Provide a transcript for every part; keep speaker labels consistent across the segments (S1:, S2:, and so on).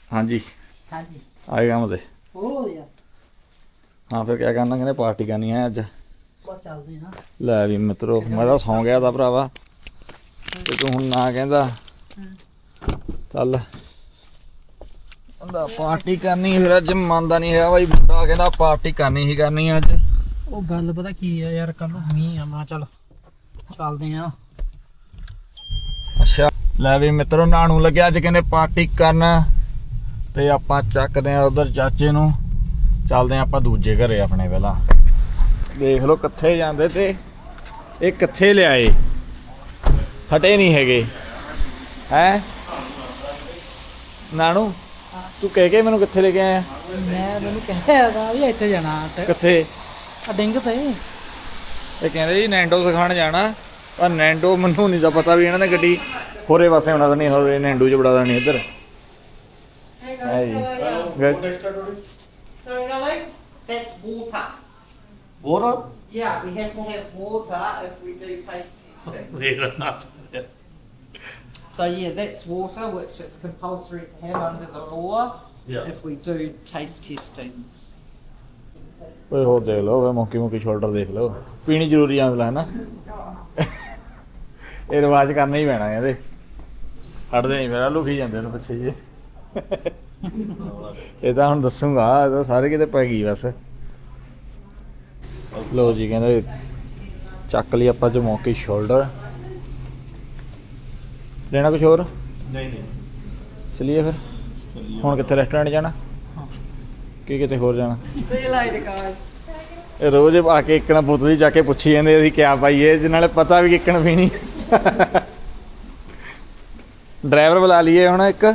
S1: ਹਾਂਜੀ
S2: ਹਾਂਜੀ
S1: ਆਏ ਕੰਮ ਤੇ
S2: ਹੋਰ ਯਾਰ
S1: ਹਾਂ ਫਿਰ ਕਿਆ ਕਰਨਾ ਕਹਿੰਦੇ ਪਾਰਟੀ ਕਰਨੀ ਹੈ ਅੱਜ
S2: ਬਸ ਚੱਲਦੇ ਹਾਂ
S1: ਲੈ ਵੀ ਮਿੱਤਰੋ ਮੈਂ ਤਾਂ ਸੌਂ ਗਿਆ ਤਾਂ ਭਰਾਵਾ ਤੇ ਤੂੰ ਹੁਣ ਨਾ ਕਹਿੰਦਾ ਚੱਲ ਕਹਿੰਦਾ ਪਾਰਟੀ ਕਰਨੀ ਫਿਰ ਅੱਜ ਮੰਨਦਾ ਨਹੀਂ ਹੈਗਾ ਬਾਈ ਬੁੱਢਾ ਕਹਿੰਦਾ ਪਾਰਟੀ ਕਰਨੀ ਹੀ ਕਰਨੀ ਅੱਜ
S2: ਉਹ ਗੱਲ ਪਤਾ ਕੀ ਆ ਯਾਰ ਕੱਲ ਨੂੰ ਮੀਂਹ ਆ ਮੈਂ ਚੱਲ ਚੱਲਦੇ ਆ
S1: ਅੱਛਾ ਲੈ ਵੀ ਮਿੱਤਰੋ ਨਾਣੂ ਲੱਗਿਆ ਅੱਜ ਕਹਿੰਦੇ ਪਾਰਟੀ ਕਰਨ ਤੇ ਆਪਾਂ ਚੱਕਦੇ ਆ ਉਧਰ ਚਾਚੇ ਨੂੰ ਚੱਲਦੇ ਆ ਆਪਾਂ ਦੂਜੇ ਘਰੇ ਆਪਣੇ ਪਹਿਲਾਂ ਦੇਖ ਲਓ ਕਿੱਥੇ ਜਾਂਦੇ ਤੇ ਇਹ ਕਿੱਥੇ ਲਿਆਏ ਹਟੇ ਨਹੀਂ ਹੈਗੇ ਹੈ ਨਾਣੂ ਤੂੰ ਕਹਿ ਕੇ ਮੈਨੂੰ ਕਿੱਥੇ ਲੈ ਕੇ ਆਇਆ
S2: ਮੈਂ ਮੈਨੂੰ ਕਹਿਆ ਦਾ ਵੀ ਇੱਥੇ ਜਾਣਾ
S1: ਕਿੱਥੇ
S2: ਆ ਡਿੰਗ ਤੇ
S1: ਇਹ ਕਹਿੰਦੇ ਜੀ ਨੈਂਡੋ ਸਿਖਾਉਣ ਜਾਣਾ ਪਰ ਨੈਂਡੋ ਮੈਨੂੰ ਨਹੀਂ ਤਾਂ ਪਤਾ ਵੀ ਇਹਨਾਂ ਨੇ ਗੱਡੀ ਹੋਰੇ ਪਾਸੇ ਹੋਣਾ ਤਾਂ ਨਹੀਂ ਹੋਰੇ ਨੈਂਡੂ 'ਚ ਬੜਾ ਦੇਣੀ ਇੱਧਰ ਹੈ ਜੀ
S3: So, Nelly, that's water.
S4: Water?
S3: Yeah, we have to have water if we do taste testing. So, yeah, that's water, which it's compulsory to have under the law if we do taste testings.
S1: ਓਏ ਹੋਰ ਦੇਖ ਲਓ ਮੌਕੀ shoulder ਦੇਖ ਲਓ ਪੀਣੀ ਜ਼ਰੂਰੀ ਆ ਅਗਲਾ ਹੈ ਨਾ ਇਹ ਰਿਵਾਜ ਕਰਨਾ ਹੀ ਪੈਣਾ ਇਹਦੇ ਹਟਦੇ ਨਹੀਂ ਮੇਰਾ ਲੁਕੀ ਜਾਂਦੇ ਨੇ ਪਿੱਛੇ ਜੇ ਇਹ ਤਾਂ ਹੁਣ ਦੱਸੂਗਾ ਇਹ ਤਾਂ ਸਾਰੇ ਕਿਤੇ ਪੈ ਗਈ ਬਸ ਲੋ ਜੀ ਕਹਿੰਦੇ ਚੱਕ ਲਈ ਆਪਾਂ ਜੋ ਮੌਕੀ ਸ਼ੋਲਡਰ ਲੈਣਾ ਕੁਛ ਹੋਰ
S4: ਨਹੀਂ
S1: ਚਲਿਏ ਫਿਰ ਹੁਣ ਕਿੱਥੇ ਰੈਸਟੋਰੈਂਟ ਜਾਣਾ ਕੀ ਕਿਤੇ ਹੋਰ ਜਾਣਾ
S3: See you later, guys.
S1: ਇਹ ਰੋਜ਼ ਆ ਕੇ ਇੱਕਣਾ ਬੋਤਲ ਦੀ ਜਾ ਕੇ ਪੁੱਛੀ ਜਾਂਦੇ ਅਸੀਂ ਕਿਆ ਪਾਈਏ ਜਿਸ ਨਾਲੇ ਪਤਾ ਵੀ ਇੱਕਣ ਪੀਣੀ ਡਰਾਈਵਰ ਬੁਲਾ ਲਈਏ ਹੁਣ ਇੱਕ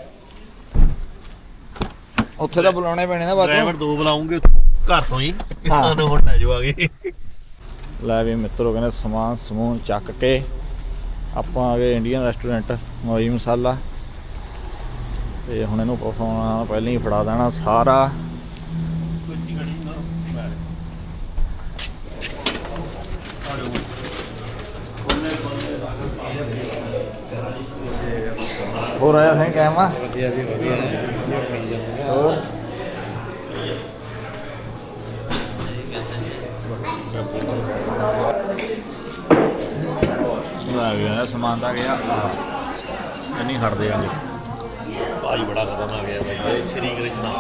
S1: ਉੱਥੇ ਤਾਂ ਬੁਲਾਉਣੇ ਪੈਣੇ ਨਾ ਬਾਕੀ
S4: ਡਰਾਈਵਰ ਦੋ ਬੁਲਾਉਂਗੇ ਉੱਥੋਂ ਘਰ ਤੋਂ ਹੀ ਸਾਨੂੰ ਹੁਣ ਲੈ ਜਾਓ ਆਗੇ
S1: ਲੈ ਵੀ ਮਿੱਤਰੋ ਕਹਿੰਦੇ ਸਮਾਨ ਸਮੂਨ ਚੱਕ ਕੇ ਆਪਾਂ ਆ ਗਏ ਇੰਡੀਅਨ ਰੈਸਟੋਰੈਂਟ ਮੋਈ ਮਸਾਲਾ ਤੇ ਹੁਣ ਇਹਨੂੰ ਪਫਾਉਣਾ ਪਹਿਲਾਂ ਹੀ ਫੜਾ ਦੇਣਾ ਸਾਰਾ ਹੋਰ ਆਇਆ ਸਿੰਘ ਕਾਇਮ ਆ
S4: ਵਧੀਆ ਜੀ ਵਧੀਆ
S1: ਹੋਰ ਲੈ ਗਿਆ ਸਮਾਨ ਤਾਂ ਗਿਆ ਨਹੀਂ ਹਟਦੇ ਆਂਗੇ
S4: ਭਾਈ ਬੜਾ ਖਤਰਨਾਕ ਹੈ ਬਾਈ ਇਹ ਸ਼੍ਰੀ ਕ੍ਰਿਸ਼ਨਾ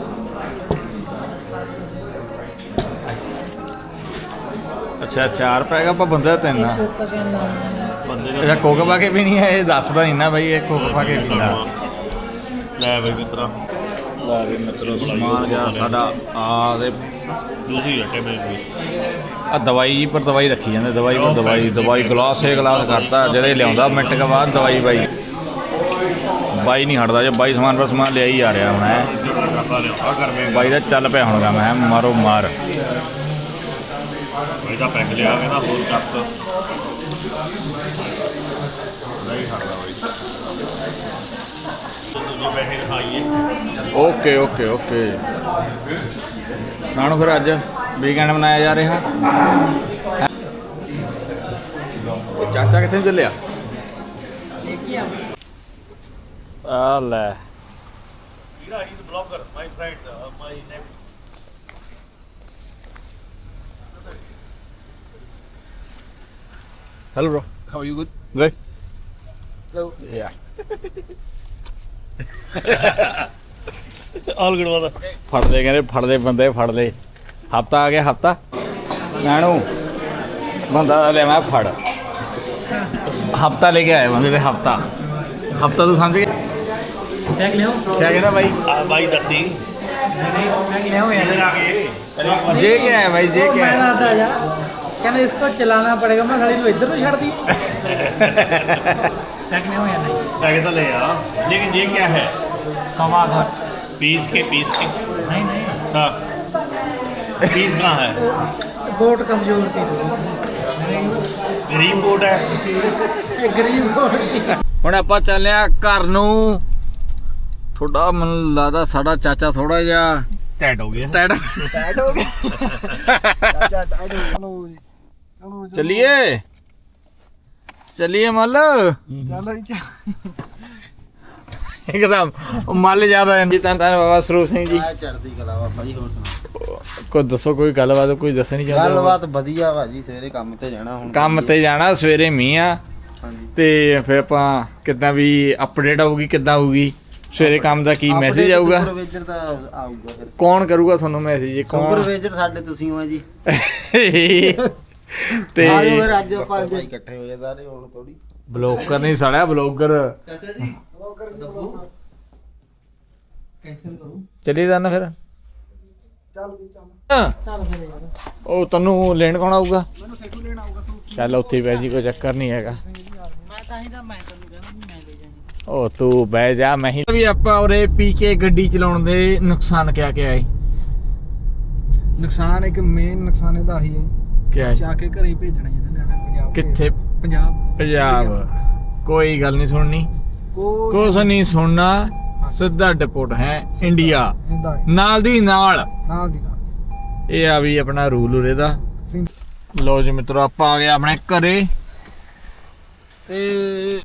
S1: ਅੱਛਾ 4 ਪੈਗਾ ਆਪਾਂ ਬੰਦੇ ਤਿੰਨ ਆ
S2: ਕੋਕਾ ਕਹਿੰਦਾ
S4: ਬੰਦੇ
S1: ਅੱਛਾ ਕੋਕ ਪਾ ਕੇ ਪੀਣੀ ਹੈ ਇਹ ਦੱਸਦਾ ਨਹੀਂ ਨਾ ਬਾਈ ਇਹ ਕੋਕ ਪਾ ਕੇ ਪੀਂਦਾ
S4: ਲੈ ਬਈ ਮਿੱਤਰਾ
S1: ਲੈ ਵੀ ਮਿੱਤਰੋ ਸਮਾਨ ਗਿਆ ਸਾਡਾ ਆ ਦੇ
S4: ਦੂਸਰੀ ਰੱਟੇ ਮੇਰੇ
S1: ਆ ਦਵਾਈ ਪਰ ਦਵਾਈ ਰੱਖੀ ਜਾਂਦੇ ਦਵਾਈ ਪਰ ਦਵਾਈ ਗਲਾਸ ਏ ਗਲਾਸ ਕਰਤਾ ਜਿਹੜੇ ਲਿਆਉਂਦਾ ਮਿੰਟ ਕੇ ਬਾਅਦ ਦਵਾਈ ਬਾਈ ਨਹੀਂ ਹਟਦਾ ਜੇ ਬਾਈ ਸਮਾਨ ਪਰ ਸਮਾਨ ਲਿਆ ਹੀ ਆ ਰਿਹਾ ਹੁਣ ਹੈ ਬਾਈ ਦਾ ਚੱਲ ਪਿਆ ਹੁਣ ਗਾ ਮੈਂ ਮਾਰੋ ਮਾਰ
S4: ਬਾਈ ਦਾ ਪੈਕ ਲਿਆ ਕਹਿੰਦਾ ਹੋਰ ਕੱਟ ਨਹੀਂ ਹਟਦਾ ਬਾਈ ਦੂਜੇ ਪੈਸੇ ਖਾਈਏ
S1: ਓਕੇ ਨਾਨੂ ਫਿਰ ਅੱਜ ਵੀਕਐਂਡ ਮਨਾਇਆ ਜਾ ਰਿਹਾ ਉਹ ਚਾਚਾ ਕਿੱਥੇ ਚੱਲਿਆ
S3: ਦੇਖੀ ਆ
S1: ਆ ਲੈ
S4: He's a blogger, my friend, my nephew.
S1: Hello bro.
S5: How are you? Good.
S1: Good.
S5: Hello.
S1: Yeah.
S4: All good brother.
S1: ਫੜਦੇ ਕਹਿੰਦੇ ਫੜਦੇ ਬੰਦੇ ਫੜਦੇ ਹਫਤਾ ਆ ਗਿਆ ਹਫਤਾ ਨਾਨੂ ਬੰਦਾ ਲੈ ਮੈਂ ਫੜ ਹਫਤਾ ਲੈ ਕੇ ਆਏ ਬੰਦੇ ਤੇ ਹਫਤਾ ਤੂੰ ਸਮਝ ਗਿਆ
S2: ਚੈੱਕ ਲਿਓ
S1: ਕਿਆ ਕਹਿੰਦਾ ਭਾਈ
S4: भाई दसी
S2: चेक लियो यार
S1: जे क्या है भाई जे क्या
S2: मैं
S1: है
S2: आता जा कहना इसको चलाना पड़ेगा मैं साली तो इधर भी छड़ दी चेक लियो या नहीं
S4: पैकेट तो ले आ लेकिन ये क्या है
S2: कमा घर
S4: पीस के
S2: नहीं नहीं
S4: हाँ पीस कहाँ है
S2: गोट कमजोर थी
S4: गरीब कोट है
S2: ये गरीब गोट की
S1: ਹੁਣ ਆਪਾਂ ਚੱਲਿਆ ਘਰ ਨੂੰ ਥੋੜਾ ਮੈਨੂੰ ਲੱਗਦਾ ਸਾਡਾ ਚਾਚਾ ਥੋੜਾ ਜਿਹਾ
S4: टैट हो गया
S1: ਟੈਡ
S5: Tired हो गया. चाचा tired हो गया. चलो जी. चलो जी.
S1: ਚੱਲੀਏ ਮੱਲ
S5: चलो जी.
S1: ਇੱਕਦਮ ਉਹ ਮੱਲ ਜ਼ਿਆਦਾ ਜੀ। ਤਾਂ ਬਾਬਾ ਸਰੂਪ ਸਿੰਘ ਜੀ
S5: ਚੜ੍ਹਦੀ ਕਲਾ ਬਾਬਾ ਜੀ। ਹੋਰ ਸੁਣਾਓ,
S1: ਕੋਈ ਦੱਸੋ, ਕੋਈ ਗੱਲਬਾਤ ਕੋਈ ਦੱਸਣੀ ਚਾਹੁੰਦੇ ਹੋ?
S5: ਗੱਲਬਾਤ ਵਧੀਆ ਭਾਜੀ। ਸਵੇਰੇ ਕੰਮ ਤੇ ਜਾਣਾ ਹੁਣ।
S1: ਕੰਮ ਤੇ ਜਾਣਾ, ਸਵੇਰੇ ਮੀਂਹ ਆ
S5: ਹਾਂਜੀ।
S1: ਤੇ ਫਿਰ ਆਪਾਂ ਕਿੱਦਾਂ ਵੀ ਅਪਡੇਟ ਆਊਗੀ, ਕਿੱਦਾਂ ਆਊਗੀ ਸਵੇਰੇ ਕੰਮ ਦਾ, ਕੀ ਮੈਸੇਜ ਆਊਗਾ,
S5: ਸੁਪਰਵਾਈਜ਼ਰ ਤਾਂ ਆਊਗਾ ਫਿਰ।
S1: ਕੌਣ ਕਰੂਗਾ ਤੁਹਾਨੂੰ ਮੈਸੇਜ? ਕੌਣ?
S5: ਸੁਪਰਵਾਈਜ਼ਰ ਸਾਡੇ ਤੁਸੀਂ ਹੋ ਜੀ।
S1: ਤੇ
S5: ਆ ਜਾਓ ਫਿਰ ਅੱਜ ਆਪਾਂ ਇਕੱਠੇ ਹੋਏ ਸਾਰੇ ਹੁਣ ਥੋੜੀ।
S1: ਬਲੌਗਰ ਨਹੀਂ ਸਾਲਿਆ, ਬਲੌਗਰ
S2: ਚਾਚਾ ਜੀ ਕੈਂਸਲ ਕਰੋ।
S1: ਚਲੀ ਜਾਣਾ ਫਿਰ।
S2: ਚੱਲ ਵੀ ਚੱਲ।
S1: ਹਾਂ,
S3: ਚੱਲ ਫਿਰ ਯਾਰ।
S1: ਉਹ ਤੈਨੂੰ ਲੈਣ ਕੌਣ ਆਊਗਾ?
S2: ਮੈਨੂੰ ਸੈਟੂ ਲੈਣ ਆਊਗਾ ਸੂਟ।
S1: ਚੱਲ ਉੱਥੇ ਹੀ ਬਹਿ ਜੀ, ਕੋਈ ਚੱਕਰ ਨਹੀਂ ਹੈਗਾ।
S3: ਮੈਂ ਤਾਂ ਹੀ ਤਾਂ ਮੈਂ ਤੈਨੂੰ ਕਹਿੰਦਾ ਵੀ ਮੈਂ ਲੈ ਜਾਣੀ।
S1: ਉਹ ਤੂੰ ਬਹਿ ਜਾ, ਮੈਂ ਹੀ ਵੀ। ਆਪਾਂ ਉਰੇ ਪੀ ਕੇ ਗੱਡੀ ਚਲਾਉਣ ਦੇ ਨੁਕਸਾਨ ਕਿਆ ਕਿਆ ਹੈ?
S2: ਨੁਕਸਾਨ ਇੱਕ ਮੇਨ ਨੁਕਸਾਨ ਇਹਦਾ ਆਹੀ ਹੈ
S1: ਕਿਆ ਹੈ?
S2: ਜਾ ਕੇ ਘਰੇ ਹੀ ਭੇਜਣਾ ਇਹਦੇ ਨਿਆਣੇ ਪੰਜਾਬ
S1: ਕਿੱਥੇ?
S2: ਪੰਜਾਬ
S1: ਪੰਜਾਬ। ਕੋਈ ਗੱਲ ਨਹੀਂ ਸੁਣਨੀ, ਕੁਛ ਨਹੀਂ ਸੁਣਨਾ, ਸਿੱਧਾ ਡਿਪੋਰਟ ਹੈ ਇੰਡੀਆ,
S2: ਇਹਦਾ
S1: ਨਾਲ ਦੀ ਨਾਲ।
S2: ਨਾਲ ਦੀ ਨਾਲ
S1: ਇਹ ਆ ਵੀ ਆਪਣਾ ਰੂਲ ਉਰੇ ਦਾ। ਲੋ ਜੀ ਮਿੱਤਰੋ, ਆਪਾਂ ਆ ਗਏ ਆਪਣੇ ਘਰੇ ਤੇ